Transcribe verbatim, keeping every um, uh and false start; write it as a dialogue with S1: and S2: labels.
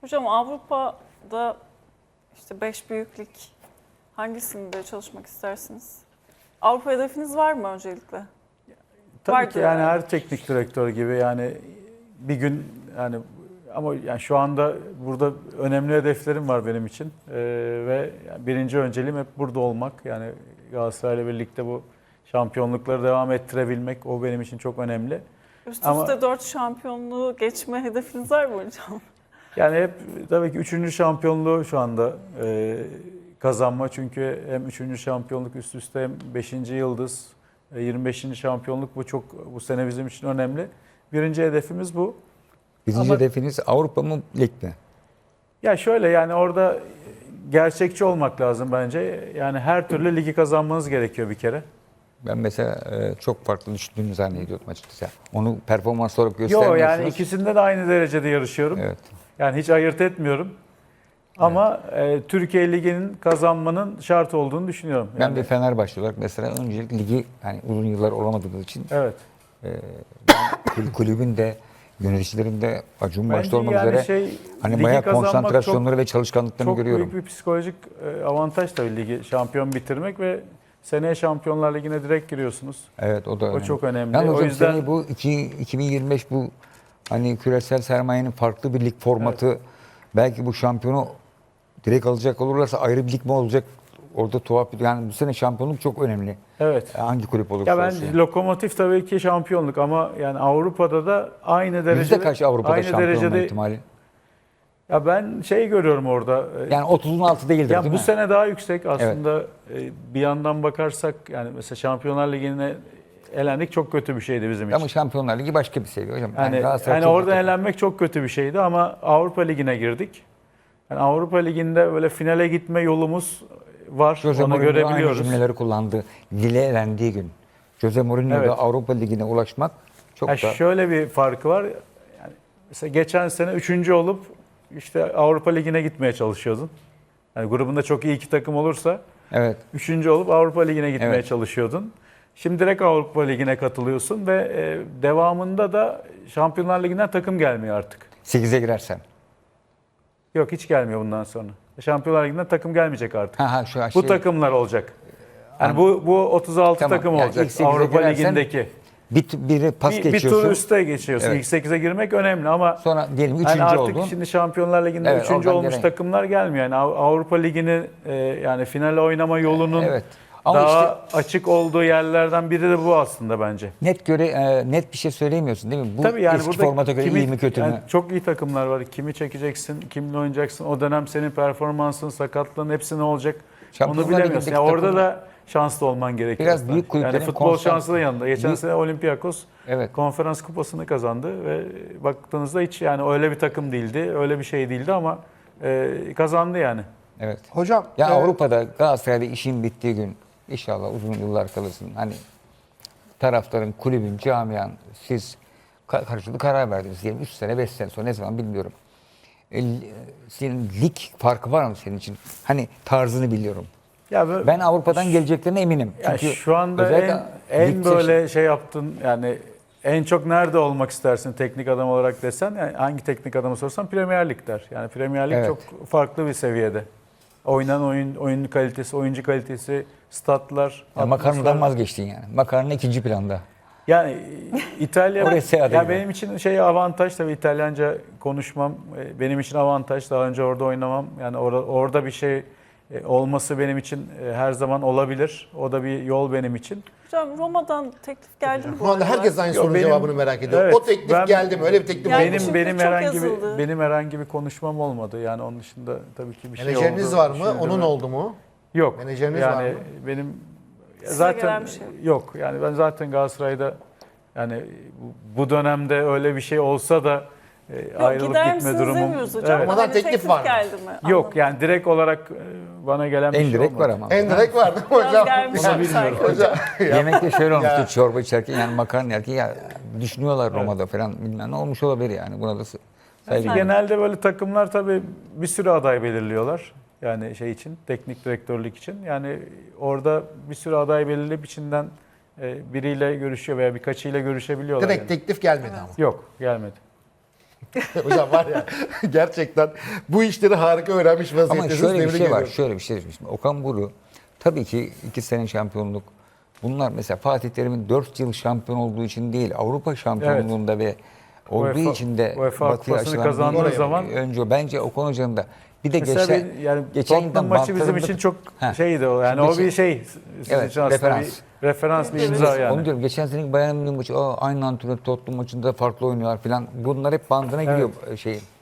S1: Hocam Avrupa'da işte beş büyük lig hangisinde çalışmak istersiniz? Avrupa hedefiniz var mı öncelikle?
S2: Tabii
S1: Vardır
S2: ki yani
S1: yani.
S2: her teknik direktör gibi yani bir gün yani ama yani şu anda burada önemli hedeflerim var benim için Ee, ve yani birinci önceliğim hep burada olmak. Yani Galatasaray'la birlikte bu şampiyonlukları devam ettirebilmek o benim için çok önemli.
S1: Üst
S2: Ama-
S1: üste dört şampiyonluğu geçme hedefiniz var mı hocam?
S2: Yani hep tabii ki üçüncü şampiyonluğu şu anda e, kazanma. Çünkü hem üçüncü şampiyonluk üst üste hem beşinci yıldız, e, yirmi beşinci şampiyonluk bu çok bu sene bizim için önemli. Birinci hedefimiz bu.
S3: Birinci
S2: Ama-
S3: hedefiniz Avrupa mı, lig mi?
S2: Ya şöyle yani orada gerçekçi olmak lazım bence. Yani her türlü ligi kazanmanız gerekiyor bir kere.
S3: Ben mesela e, çok farklı düşündüğümü zannediyordum açıkçası. Onu performans olarak
S2: Yok
S3: göstermiyorsunuz.
S2: yani ikisinde de aynı derecede yarışıyorum.
S3: Evet.
S2: Yani hiç ayırt etmiyorum. Ama e, Türkiye Ligi'nin kazanmanın şart olduğunu düşünüyorum.
S3: Ben
S2: Yani,
S3: bir Fenerbahçe olarak mesela öncelikle ligi yani uzun yıllar olamadığımız için
S2: evet.
S3: e, ben kul- kulübün de yöneticilerin de Acun
S2: Bence
S3: başta olmak
S2: yani
S3: üzere
S2: şey,
S3: hani
S2: ligi
S3: bayağı
S2: kazanmak
S3: konsantrasyonları
S2: çok-
S3: ve çalışkanlıklarını
S2: Çok
S3: görüyorum.
S2: büyük bir psikolojik e, avantaj tabii ligi şampiyon bitirmek ve seneye Şampiyonlar Ligi'ne direkt giriyorsunuz.
S3: Evet o da önemli.
S2: çok önemli.
S3: Yalnız
S2: O
S3: hocam
S2: yüzden-
S3: seneye bu iki- iki bin yirmi beş bu hani küresel sermayenin farklı bir lig formatı belki bu şampiyonu direkt alacak olurlarsa ayrı bir lig mi olacak? Orada tuhaf bir yani bu sene şampiyonluk çok önemli.
S2: Evet.
S3: Hangi kulüp olursa
S2: Ya ben
S3: olsun.
S2: Lokomotif tabii ki şampiyonluk ama yani Avrupa'da da aynı derecede
S3: Yüzde kaç Avrupa'da
S2: aynı
S3: şampiyon olma
S2: derecede
S3: ihtimali?
S2: ya ben şey görüyorum orada. e,
S3: Yani otuzun altı değildir
S2: Ya
S3: değil
S2: bu
S3: mi?
S2: sene daha yüksek aslında. E, Bir yandan bakarsak yani mesela Şampiyonlar Ligi'ne elendik çok kötü bir şeydi bizim için.
S3: Ama Şampiyonlar Ligi başka bir seviye hocam.
S2: Yani,
S3: Galatasaray
S2: yani
S3: çok
S2: orada
S3: iyi.
S2: elenmek çok kötü bir şeydi ama Avrupa Ligi'ne girdik. Yani Avrupa Ligi'nde böyle finale gitme yolumuz var.
S3: Jose
S2: Onu
S3: Mourinho aynı
S2: görebiliyoruz.
S3: cümleleri kullandı. Lille elendiği gün. Jose Mourinho'da
S2: Evet.
S3: Avrupa Ligi'ne ulaşmak çok
S2: Ya
S3: da
S2: şöyle bir farkı var. Yani mesela geçen sene üçüncü olup işte Avrupa Ligi'ne gitmeye çalışıyordun. Yani grubunda çok iyi iki takım olursa
S3: evet.
S2: üçüncü olup Avrupa Ligi'ne gitmeye
S3: Evet.
S2: çalışıyordun. Şimdi direkt Avrupa Ligi'ne katılıyorsun ve e, devamında da Şampiyonlar Ligi'nden takım gelmiyor artık.
S3: sekize girersen.
S2: Yok hiç gelmiyor bundan sonra. Şampiyonlar Ligi'nden takım gelmeyecek artık.
S3: Ha ha şu
S2: Bu
S3: şey,
S2: takımlar olacak. Yani bu bu otuz altı
S3: Tamam.
S2: takım
S3: Yani
S2: olacak
S3: ilk sekize
S2: Avrupa
S3: girersen
S2: Ligi'ndeki.
S3: bir, biri pas
S2: Bir, bir
S3: geçiyorsun.
S2: tur üste geçiyorsun.
S3: Evet.
S2: İlk sekize girmek önemli ama
S3: Sonra diyelim üçüncü
S2: yani artık
S3: oldun.
S2: şimdi Şampiyonlar Ligi'nde
S3: Evet,
S2: üçüncü
S3: oradan
S2: olmuş
S3: gelen-
S2: takımlar gelmiyor. Yani Av- Avrupa Ligi'ni e, yani finale oynama yolunun
S3: Evet. Ama
S2: daha açık olduğu yerlerden biri de bu aslında bence.
S3: Net göre e, net bir şey söyleyemiyorsun değil mi? Bu
S2: Tabii yani
S3: eski
S2: burada
S3: formata göre
S2: kimi-
S3: iyi mi kötü
S2: yani
S3: mü?
S2: çok iyi takımlar var. Kimi çekeceksin, kimle oynayacaksın. O dönem senin performansın, sakatlığın hepsi ne olacak?
S3: Şampiyonlar
S2: Onu bilemiyorsun.
S3: Ligi'ndeki
S2: Yani orada
S3: takımlar-
S2: da şanslı olman gerekiyor.
S3: Biraz
S2: aslında.
S3: büyük kulüplerin
S2: Yani futbol
S3: konstant-
S2: şansı da yanında. Geçen
S3: Büyük-
S2: sene Olympiakos
S3: Evet.
S2: konferans kupasını kazandı ve baktığınızda hiç yani öyle bir takım değildi, öyle bir şey değildi ama e, kazandı yani.
S3: Evet.
S4: Hocam
S3: Ya
S4: e,
S3: Avrupa'da Galatasaray'da işin bittiği gün inşallah uzun yıllar kalırsın. Hani taraftarın, kulübün, camian siz ka- karşılıklı karar verdiniz diyelim üç sene beş sene sonra ne zaman bilmiyorum. E, l- senin lig farkı var mı senin için? Hani tarzını biliyorum.
S2: Ya böyle-
S3: Ben Avrupa'dan geleceklerine eminim.
S2: Ya
S3: Çünkü
S2: şu anda
S3: özellikle
S2: en, en
S3: lig
S2: böyle şey yaptın yani en çok nerede olmak istersin teknik adam olarak desen yani hangi teknik adamı sorsan Premier Lig der. Yani Premier Lig
S3: Evet.
S2: çok farklı bir seviyede. Oynanan oyun oyun kalitesi, oyuncu kalitesi, statlar,
S3: Ya makarnadan
S2: atmosfer.
S3: vazgeçtin yani. Makarna ikinci planda.
S2: Yani İtalya
S3: Oraya seyahat
S2: ya
S3: ediyor.
S2: benim için şey avantaj tabii İtalyanca konuşmam e, benim için avantaj. Daha önce orada oynamam. Yani orada orada bir şey e, olması benim için e, her zaman olabilir. O da bir yol benim için.
S1: Hocam Roma'dan teklif geldi mi bu
S4: şu anda
S1: aralar?
S4: herkes aynı
S2: Yok,
S4: sorunun
S2: benim-
S4: cevabını merak ediyor.
S2: Evet,
S4: o teklif
S2: ben-
S4: geldi mi? Öyle bir teklif
S1: Yani
S4: oldu
S2: benim
S4: mu?
S1: çünkü
S2: benim
S1: çok
S2: herhangi
S1: yazıldı.
S2: bir benim herhangi bir konuşmam olmadı. Yani onun dışında tabii ki bir şey oldu.
S4: Menajeriniz var mı?
S2: düşünüldü
S4: Onun
S2: mü?
S4: oldu mu?
S2: Yok.
S4: Menajeriniz
S2: yani
S4: var mı?
S2: benim
S1: Size
S2: zaten
S1: gelen bir şey
S2: yok. Yani ben zaten Galatasaray'da yani bu- bu dönemde öyle bir şey olsa da e,
S1: Yok,
S2: ayrılıp
S1: gider
S2: gitme
S1: misiniz
S2: durumum.
S1: demiyoruz hocam.
S2: Evet.
S1: Ama
S4: Ama
S1: hani
S4: teklif
S1: teklif,
S4: var mı?
S1: geldi mi?
S2: Yok
S1: Anladım.
S2: yani direkt olarak e, bana gelen bir
S3: En
S2: şey
S3: direkt
S2: olmadı.
S3: var ama.
S4: En direkt vardı
S1: Biraz
S4: hocam.
S1: gelmiş
S2: Onu
S1: sanki.
S2: bilmiyorum.
S4: Hocam.
S3: Yemekte şöyle olmuştu
S4: Ya.
S3: çorba içerken yani makarna yerken ya düşünüyorlar Roma'da falan bilmem ne olmuş olabilir yani buna da s- saygı.
S1: Efendim?
S2: Genelde böyle takımlar tabii bir sürü aday belirliyorlar. Yani şey için, teknik direktörlük için. Yani orada bir sürü aday belirleyip içinden e, biriyle görüşüyor veya birkaçıyla görüşebiliyorlar.
S4: Direkt
S2: yani.
S4: teklif gelmedi ama.
S2: Yok, gelmedi.
S4: Hocam var ya gerçekten bu işleri harika öğrenmiş
S3: Ama
S4: vaziyettesiniz.
S3: şöyle bir
S4: Tebrik
S3: şey var,
S4: ediyorum.
S3: şöyle bir şey. Şimdi Okan Buruk tabii ki iki sene şampiyonluk. Bunlar mesela Fatih Terim'in dört yıl şampiyon olduğu için değil, Avrupa şampiyonluğunda ve olduğu
S2: UEFA
S3: için de
S2: UEFA
S3: Batı'ya
S2: Kupası'nı
S3: açılan
S2: kazandığı
S3: bir-
S2: zaman-
S3: önce bence Okan Hoca'nın da bir de
S2: Mesela
S3: geçen
S2: bir- yani
S3: geçen
S2: Tottenham
S3: yıldan
S2: maçı bizim
S3: bantlarında-
S2: için çok
S3: Heh.
S2: şeydi o. Yani
S3: Şimdi
S2: o bir
S3: geçen-
S2: şey sizin
S3: Evet,
S2: için aslında
S3: referans.
S2: bir referans bir
S1: Evet.
S2: imza yani.
S3: Onu diyorum, geçen senenin Bayern Münih maçı, Aa, aynı antrenör Tottenham maçında farklı oynuyorlar falan. Bunlar hep bandına
S2: Evet.
S3: giriyor şeyin.